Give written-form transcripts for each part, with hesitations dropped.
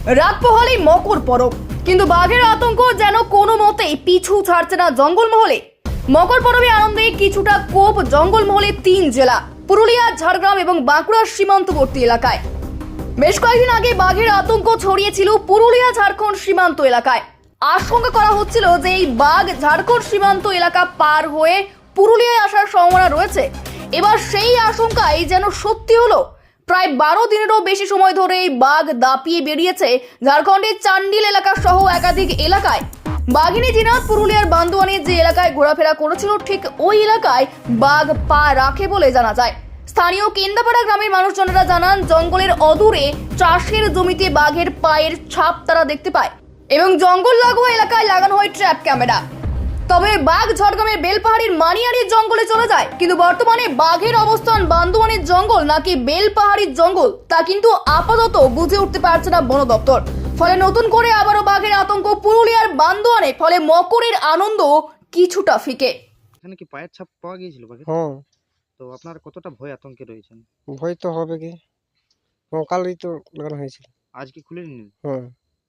রাত পোহালেই মকর পরব, কিন্তু বাঘের আতঙ্ক যেন কোনো মতেই পিছু ছাড়ছে না জঙ্গলমহলে। মকর পরবে আনন্দে কিছুটা কোপ জঙ্গলমহলে 3 জেলা পুরুলিয়া, ঝাড়গ্রাম এবং বাঁকুড়ার সীমান্তবর্তী এলাকায়। বেশ কয়েকদিন আগে বাঘের আতঙ্ক ছড়িয়েছিল পুরুলিয়া ঝাড়খণ্ড সীমান্ত এলাকায়। আশঙ্কা করা হচ্ছিল যে এই বাঘ ঝাড়খণ্ড সীমান্ত এলাকা পার হয়ে পুরুলিয়ায় আসার সম্ভাবনা রয়েছে। এবার সেই আশঙ্কাই যেন সত্যি হলো। প্রায় 12 দিনেরও বেশি সময় ধরে এই বাঘ দাপিয়ে বেরিয়েছে ঝাড়খণ্ডের চান্ডিল এলাকা সহ একাধিক এলাকায়। বাঘিনী জিনাত পুরুলিয়ার বান্দোয়ানে যে এলাকায় ঘোরাফেরা করেছিল, ঠিক ওই এলাকায় বাঘ পা রাখে বলে জানা যায়। স্থানীয় কেন্দাপাড়া গ্রামের মানুষজনেরা জানান, জঙ্গলের অদূরে চাষের জমিতে বাঘের পায়ের ছাপ তারা দেখতে পায় এবং জঙ্গল লাগোয়া এলাকায় লাগানো হয় ট্র্যাপ ক্যামেরা। তবে বাঘ ঝড়গ্রামের বেলপাহাড়ির মানিয়ারির জঙ্গলে চলে যায়, কিন্তু বর্তমানে বাঘের অবস্থান বান্দোয়ানের জঙ্গল নাকি বেলপাহাড়ির জঙ্গল তা কিন্তু আপাতত বুঝে উঠতে পারছে না বন দপ্তর। ফলে নতুন করে আবারও বাঘের আতঙ্ক পুরুলিয়ার বান্দোয়ানে। ফলে মকরের আনন্দ কিছুটা ফিকে। এখানে কি পায়ের ছাপ পাওয়া গিয়েছিল বাঘের? হ্যাঁ, তো আপনার কতটা ভয় আতঙ্কে রয়েছেন? ভয় তো হবে কি, কালই তো লাগানো হয়েছিল। আজ কি খুলে নিলেন? হ্যাঁ,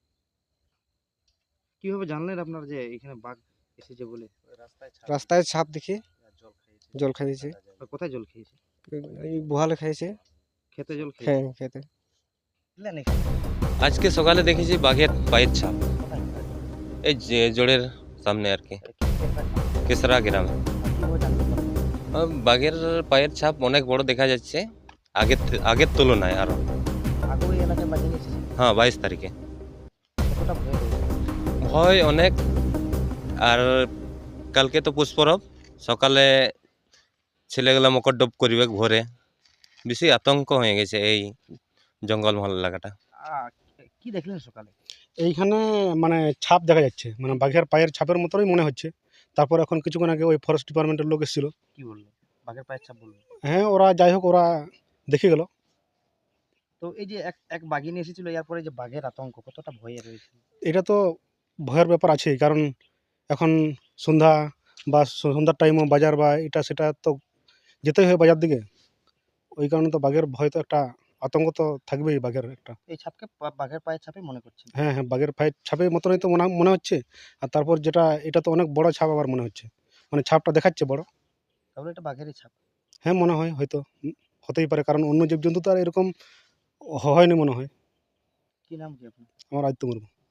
কিভাবে জানলেন আপনার যে এখানে বাঘ এসেছে বলে? রাস্তায় ছাপ দেখি জল খাইয়েছে, আর কোথায় জল খেয়েছে? এই বুহালে খাইয়েছে। খেতে জল খেয়েছে? হ্যাঁ, খেতে। আজকে সকালে দেখেছি বাঘের পায়ের ছাপ এই যে জোড়ের সামনে আর কি, কেসরা গ্রামে। বাঘের পায়ের ছাপ অনেক বড় দেখা যাচ্ছে আগের তুলনায় আরো। হ্যাঁ, 22 তারিখে ভয় অনেক। আর কালকে তো পুষ্পরব, সকালে ছেলেগুলা মকর ডব করিবে ভোরে। বেশি আতঙ্ক হয়ে গেছে এই জঙ্গলমহল এলাকাটা। কি দেখলেন সকালে? এইখানে মানে ছাপ দেখা যাচ্ছে, মানে বাঘের পায়ের ছাপের মতোই মনে হচ্ছে। তারপর এখন কিছুক্ষণ আগে ওই ফরেস্ট ডিপার্টমেন্টের লোক এসেছিল। কি বললো? বাঘের পায়ের ছাপ বললো? হ্যাঁ, ওরা যাই হোক ওরা দেখে গেল। তো এই যে এক বাঘিনী এসেছিল, এরপরে যে বাঘের আতঙ্ক কতটা ভয়ে রয়েছে? এটা তো ভয়ের ব্যাপার আছে, কারণ এখন সন্ধ্যা বা সন্ধ্যার টাইমও বাজার বা এটা সেটা তো যেতেই হয় বাজার দিকে। ওই কারণে তো বাঘের ভয় তো একটা আতঙ্ক তো থাকবেই বাঘের একটা। এই ছাপকে বাঘের পায়ের ছাপে মনে করছেন? হ্যাঁ হ্যাঁ, বাঘের পায়ের ছাপের মতনই তো মনে হচ্ছে। আর তারপর যেটা এটা তো অনেক বড় ছাপ আবার মনে হচ্ছে, মানে ছাপটা দেখাচ্ছে বড়। তাহলে এটা বাঘেরই ছাপ? হ্যাঁ, মনে হয় হয়তো হতেই পারে, কারণ অন্য জীবজন্তু তো আর এরকম হয়নি মনে হয়। কি নাম কি আপনার? আমার আদিত্য মুর্মু।